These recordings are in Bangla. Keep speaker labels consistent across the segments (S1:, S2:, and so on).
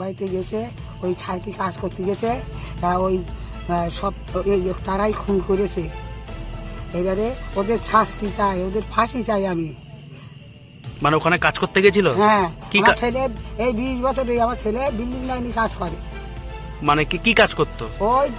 S1: বোম্বাইতে গেছে, ওই ছাইটি কাজ করতে গেছে, ওই সব তারাই খুন করেছে। এবারে ওদের শাস্তি চাই, ওদের ফাঁসি চাই আমি।
S2: মানে ওখানে কাজ করতে গেছিল?
S1: হ্যাঁ,
S2: কি
S1: আমার ছেলে এই 20 বছর আমার ছেলে বিল্ডিং লাইনে কাজ করে।
S2: মানে কি কাজ করতো?
S1: ওই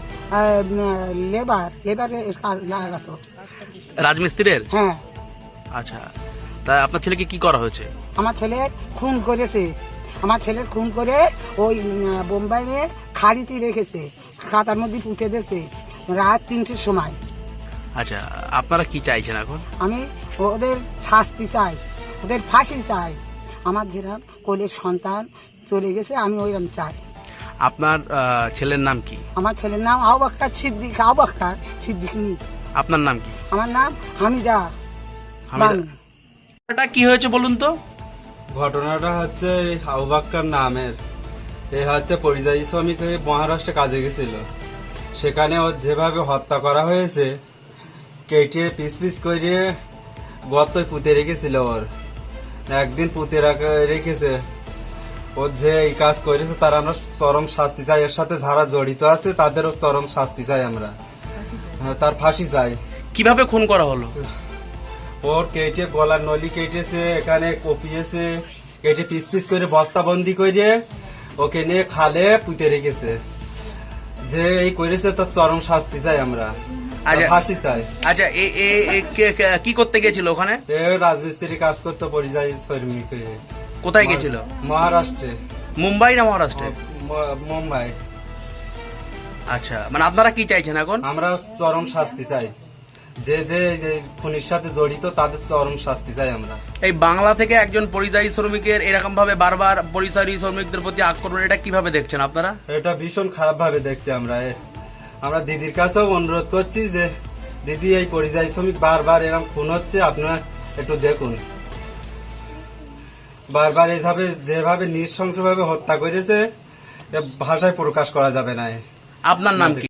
S1: লেবারে কাজ লাগাতো,
S2: রাজমিস্ত্রির।
S1: হ্যাঁ।
S2: আচ্ছা, তা আপনার ছেলেকে কি করা হয়েছে?
S1: আমার ছেলে খুন করেছে, আমার ছেলের খুন করে ওই বোম্বাই মেয়ে খাড়িতে রেখেছে, খাতার মধ্যে পুঁতে দিয়েছে রাত 3টের সময়।
S2: আচ্ছা, আপনারা কি চাইছেন এখন?
S1: আমি ওদের শাস্তি চাই, ওদের ফাঁসি চাই। আমার যেরকম কোলের সন্তান চলে গেছে, আমি ওইরকম চাই।
S2: আপনার ছেলের নাম কি?
S1: আমার ছেলের নাম আবুবকর সিদ্দিক,
S2: আপনার নাম কি?
S1: আমার নাম হামিদা।
S2: এটা কি হয়েছে বলুন তো?
S3: ঘটনাটা হচ্ছে আবুবকর নামের, এ হচ্ছে পরিযায়ী শ্রমিক হয়ে মহারাষ্ট্রে কাজে গেছিল। সেখানে ওর যেভাবে হত্যা করা হয়েছে, কেটে পিস পিস করে গর্তয় পুঁতে রেখেছিল। ওর একদিন পুঁতে রেখেছে। ওর যে এই কাজ করেছে তার আমরা চরম শাস্তি চাই। এর সাথে যারা জড়িত আছে তাদেরও চরম শাস্তি চাই আমরা, তার ফাঁসি চাই।
S2: কিভাবে খুন করা হলো?
S3: ওর কেটে গলার নলি কেটেছে, এখানে কপিয়েছে, কেটে পিস পিস করে বস্তাবন্দি করে ওকে নিয়ে খালে পুঁতে রেখেছে। যে এই করেছে তার চরম শাস্তি চাই আমরা, ফাঁসি চাই।
S2: আচ্ছা, কি করতে গেছিল ওখানে?
S3: এ রাজমিস্ত্রি কাজ করতো পরিযায়ী শ্রমিক হয়ে।
S2: কোথায় গেছিল?
S3: মহারাষ্ট্রে।
S2: মুম্বাই না মহারাষ্ট্রে?
S3: মুম্বাই।
S2: আচ্ছা, মানে আপনারা কি চাইছেন এখন?
S3: আমরা চরম শাস্তি চাই, যে যে খুনির সাথে জড়িত তাদের চরম শাস্তি চাই আমরা।
S2: এই বাংলা থেকে একজন পরিযায়ী শ্রমিকের এরকম ভাবে বারবার পরিযায়ী শ্রমিকদের প্রতি আক্রমণ, এটা কিভাবে দেখছেন আপনারা?
S3: এটা ভীষণ খারাপ ভাবে দেখছি আমরা। আমরা দিদির কাছেও অনুরোধ করছি যে দিদি, এই পরিযায়ী শ্রমিক বারবার এরকম খুন হচ্ছে, আপনারা একটু দেখুন। বারবার এইভাবে যেভাবে নৃশংসভাবে হত্যা করেছে, ভাষায় প্রকাশ করা যাবে না।
S2: আপনার নাম কি?